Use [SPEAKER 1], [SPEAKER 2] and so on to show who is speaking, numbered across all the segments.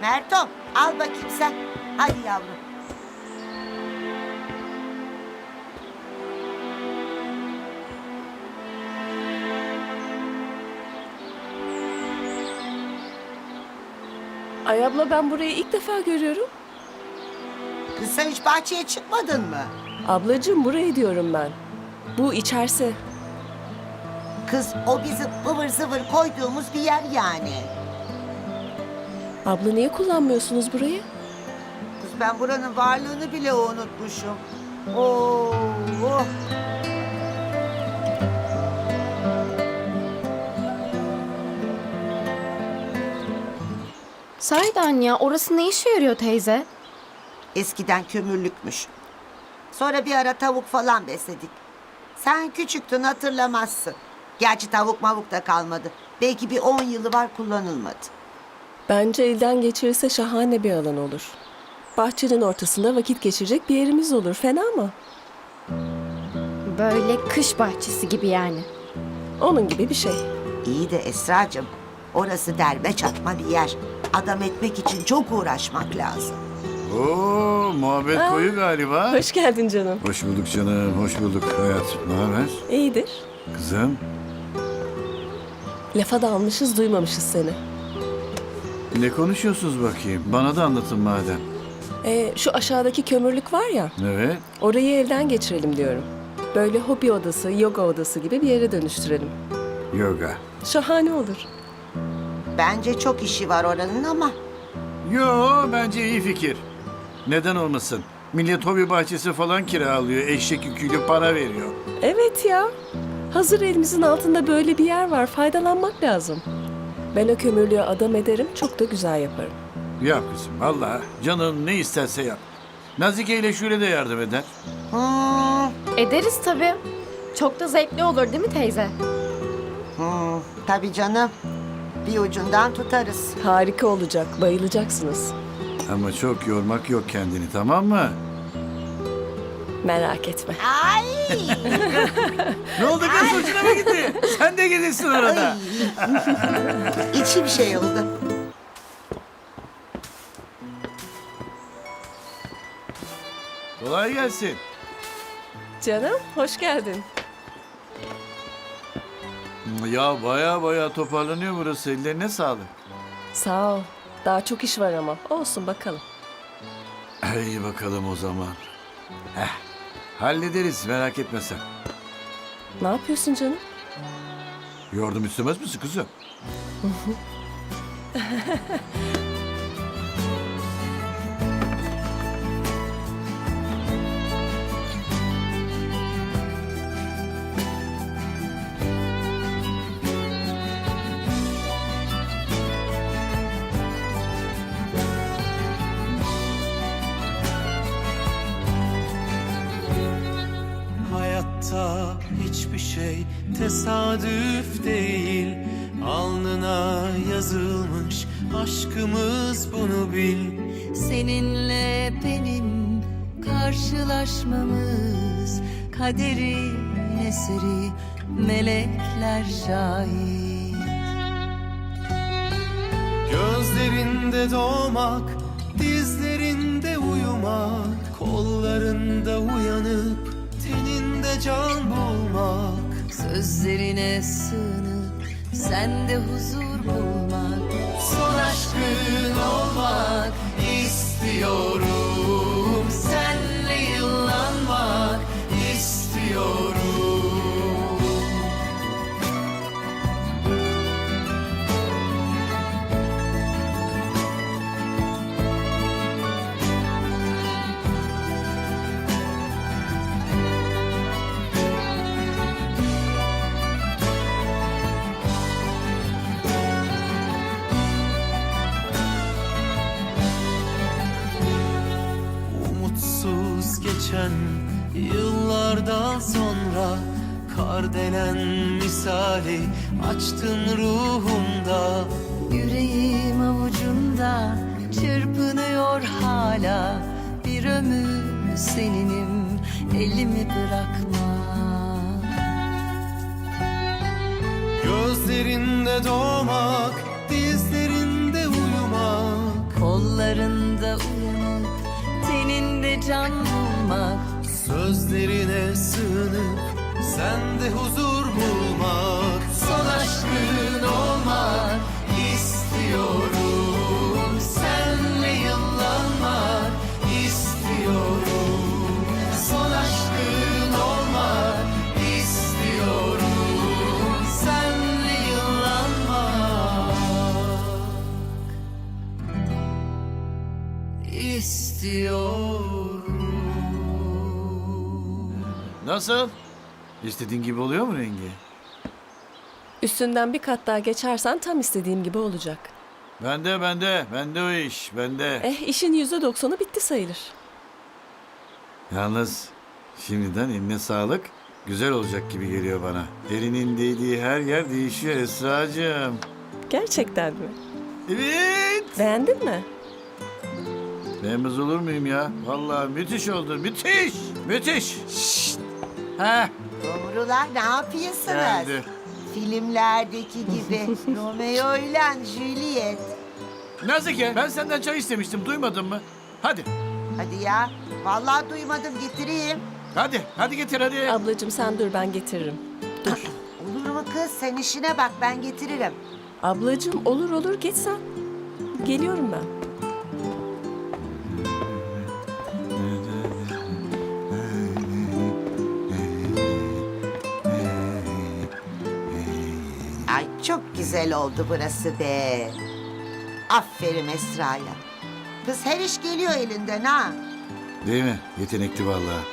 [SPEAKER 1] Mertom al bakayım sen. Hadi yavrum.
[SPEAKER 2] Ay abla ben burayı ilk defa görüyorum.
[SPEAKER 1] Kız sen hiç bahçeye çıkmadın mı?
[SPEAKER 2] Ablacığım burayı diyorum ben. Bu içerisi.
[SPEAKER 1] Kız o bizim ıvır zıvır koyduğumuz bir yer yani.
[SPEAKER 2] Abla niye kullanmıyorsunuz burayı?
[SPEAKER 1] Kız ben buranın varlığını bile unutmuşum. Oo, oh.
[SPEAKER 3] Sahiden ya, orası ne işe yarıyor teyze?
[SPEAKER 1] Eskiden kömürlükmüş. Sonra bir ara tavuk falan besledik. Sen küçüktün hatırlamazsın. Gerçi tavuk mavuk da kalmadı. Belki bir 10 yılı var kullanılmadı.
[SPEAKER 2] Bence elden geçirirse şahane bir alan olur. Bahçenin ortasında vakit geçirecek bir yerimiz olur. Fena mı?
[SPEAKER 3] Böyle kış bahçesi gibi yani.
[SPEAKER 2] Onun gibi bir şey.
[SPEAKER 1] İyi de Esracığım, orası derme çatma bir yer. Adam etmek için çok uğraşmak lazım.
[SPEAKER 4] Oo, muhabbet koyu galiba.
[SPEAKER 2] Hoş geldin canım.
[SPEAKER 4] Hoş bulduk canım, hoş bulduk hayatım. Ne haber?
[SPEAKER 2] İyidir.
[SPEAKER 4] Kızım,
[SPEAKER 2] Lafa dalmışız duymamışız seni.
[SPEAKER 4] ne konuşuyorsunuz bakayım? Bana da anlatın madem.
[SPEAKER 2] Şu aşağıdaki kömürlük var ya.
[SPEAKER 4] Evet,
[SPEAKER 2] Orayı elden geçirelim diyorum. Böyle hobi odası, yoga odası gibi bir yere dönüştürelim.
[SPEAKER 4] yoga.
[SPEAKER 2] Şahane olur.
[SPEAKER 1] Bence çok işi var oranın ama
[SPEAKER 4] Yo, bence iyi fikir. Neden olmasın? Millet hobi bahçesi falan kiralıyor, eşek yüküyle para veriyor.
[SPEAKER 2] Evet ya. Hazır elimizin altında böyle bir yer var. Faydalanmak lazım. Ben o kömürlüğü adam ederim. Çok da güzel yaparım.
[SPEAKER 4] Yap kızım, Allah canın ne isterse yap. Nazike ile Şule de yardım eder.
[SPEAKER 3] Ederiz tabii. Çok da zevkli olur değil mi teyze?
[SPEAKER 1] tabii canım. Bir ucundan tutarız.
[SPEAKER 2] Harika olacak. Bayılacaksınız.
[SPEAKER 4] Ama çok yormak yok kendini, tamam mı?
[SPEAKER 2] Merak etme.
[SPEAKER 1] Ay!
[SPEAKER 4] Ne oldu kız, hoşuna mı gitti? Sen de gelirsin arada.
[SPEAKER 1] İçim şey oldu.
[SPEAKER 4] Kolay gelsin.
[SPEAKER 2] Canım hoş geldin.
[SPEAKER 4] Ya baya toparlanıyor burası. Ellerine sağlık.
[SPEAKER 2] Sağ ol. Daha çok iş var ama. Olsun bakalım.
[SPEAKER 4] İyi bakalım o zaman. Hallederiz, merak etme sen.
[SPEAKER 2] Ne yapıyorsun canım?
[SPEAKER 4] Yardım istemez misin kızım?
[SPEAKER 5] Hayatta hiçbir şey tesadüf değil. Alnına yazılmış aşkımız, bunu bil.
[SPEAKER 6] Seninle benim karşılaşmamız kaderin eseri, melekler şahit.
[SPEAKER 5] Gözlerinde doğmak, dizlerinde uyumak, kollarında uyanıp teninde can bulmak.
[SPEAKER 6] Sözlerine sığınıp sende huzur bulmak,
[SPEAKER 5] Son aşkın olmak istiyorum.
[SPEAKER 6] senle yıllanmak
[SPEAKER 5] İstiyorum. Umutsuz geçen yıllardan sonra kardelen misali açtın ruhumda.
[SPEAKER 6] yüreğim avucumda çırpınıyor hala. Bir ömür seninim, elimi bırakma.
[SPEAKER 5] Gözlerinde doğmak, dizlerinde uyumak,
[SPEAKER 6] Kol Rüyalarında uyanıp teninde can bulmak.
[SPEAKER 5] Sözlerine sığınıp sende huzur bulmak. Son aşkın olmak istiyorum. Senle yıllanmak istiyorum. Son aşkın olmak istiyorum. Senle yıllanmak istiyorum.
[SPEAKER 4] Nasıl? İstediğin gibi oluyor mu rengi?
[SPEAKER 2] Üstünden bir kat daha geçersen tam istediğim gibi olacak.
[SPEAKER 4] Bende o iş, bende.
[SPEAKER 2] İşin %90'ı bitti sayılır.
[SPEAKER 4] Yalnız şimdiden eline sağlık. Güzel olacak gibi geliyor bana. Elinin değdiği her yer değişiyor Esracığım.
[SPEAKER 2] Gerçekten mi?
[SPEAKER 4] Evet.
[SPEAKER 2] Beğendin mi?
[SPEAKER 4] Beğenmez olur muyum ya? Vallahi müthiş oldu, müthiş. Müthiş. Ha,
[SPEAKER 1] Kumrular ne yapıyorsunuz?
[SPEAKER 4] geldi.
[SPEAKER 1] Filmlerdeki gibi Romeo ile Juliet.
[SPEAKER 4] Nazike, ben senden çay istemiştim, duymadın mı? Hadi,
[SPEAKER 1] Hadi ya. Vallahi duymadım, getireyim.
[SPEAKER 4] hadi getir hadi.
[SPEAKER 2] Ablacığım sen dur ben getiririm. Dur.
[SPEAKER 1] Olur mu kız? Sen işine bak, ben getiririm.
[SPEAKER 2] Ablacığım olur geç sen. Geliyorum ben.
[SPEAKER 1] Ay çok güzel oldu burası be. Aferin Esra'ya. Kız her iş geliyor elinden ha.
[SPEAKER 4] Değil mi? Yetenekli vallahi.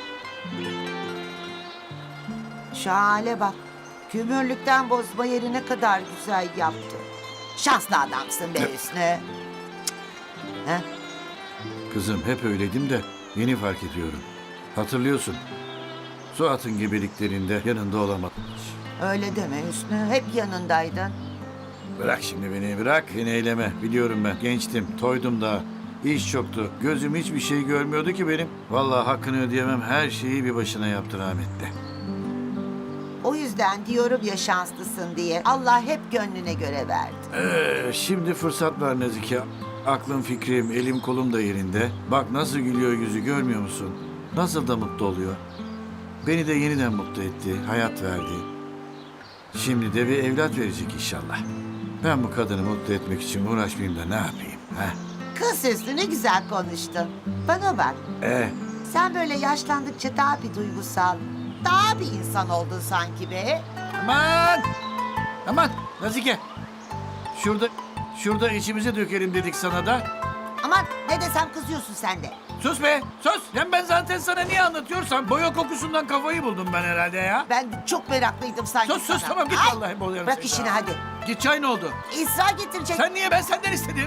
[SPEAKER 1] Şu hale bak. Kömürlükten bozma yeri ne kadar güzel yaptı. Şanslı adamsın be Hüsnü. Ha?
[SPEAKER 4] Kızım hep öyleydim de yeni fark ediyorum. Hatırlıyorsun. Suat'ın gebeliklerinde yanında olamadım hiç.
[SPEAKER 1] Öyle deme Hüsnü. Hep yanındaydın.
[SPEAKER 4] Bırak şimdi beni, bırak. Beni eyleme. Biliyorum ben. Gençtim, toydum daha. İş çoktu. Gözüm hiçbir şey görmüyordu ki benim. Vallahi hakkını ödeyemem. Her şeyi bir başına yaptı rahmetli.
[SPEAKER 1] O yüzden diyorum ya şanslısın diye. Allah hep gönlüne göre verdi.
[SPEAKER 4] Şimdi fırsat var Nazike. Aklım fikrim, elim kolum da yerinde. Bak nasıl gülüyor yüzü görmüyor musun? Nasıl da mutlu oluyor. Beni de yeniden mutlu etti, hayat verdi. Şimdi de bir evlat verecek inşallah. Ben bu kadını mutlu etmek için uğraşmayayım da ne yapayım? Ha?
[SPEAKER 1] Kız Hüsnü ne güzel konuştun. Bana bak. Sen böyle yaşlandıkça daha bir duygusal, daha bir insan oldun sanki be.
[SPEAKER 4] Aman Nazike. Şurada içimize dökelim dedik sana da.
[SPEAKER 1] Aman ne desem kızıyorsun sen de.
[SPEAKER 4] Sus be, sus. Ben zaten sana niye anlatıyorsam boya kokusundan kafayı buldum ben herhalde ya.
[SPEAKER 1] Ben çok meraklıydım sanki
[SPEAKER 4] Sus
[SPEAKER 1] sana.
[SPEAKER 4] tamam git
[SPEAKER 1] Ay,
[SPEAKER 4] vallahi boğuyorum
[SPEAKER 1] bırak
[SPEAKER 4] seni
[SPEAKER 1] işini
[SPEAKER 4] ha.
[SPEAKER 1] hadi.
[SPEAKER 4] Git çay ne oldu?
[SPEAKER 1] İsra getirecek.
[SPEAKER 4] Sen niye ben senden istedim?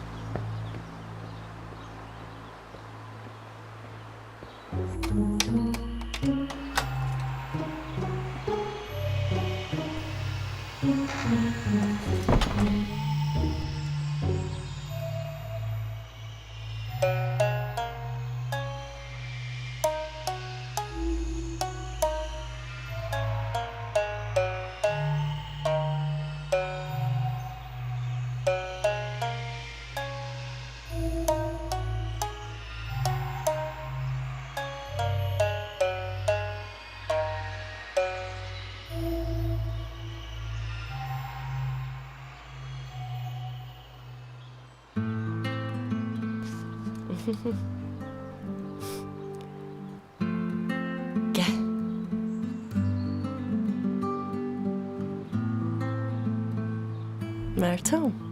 [SPEAKER 2] Gel. Mertem.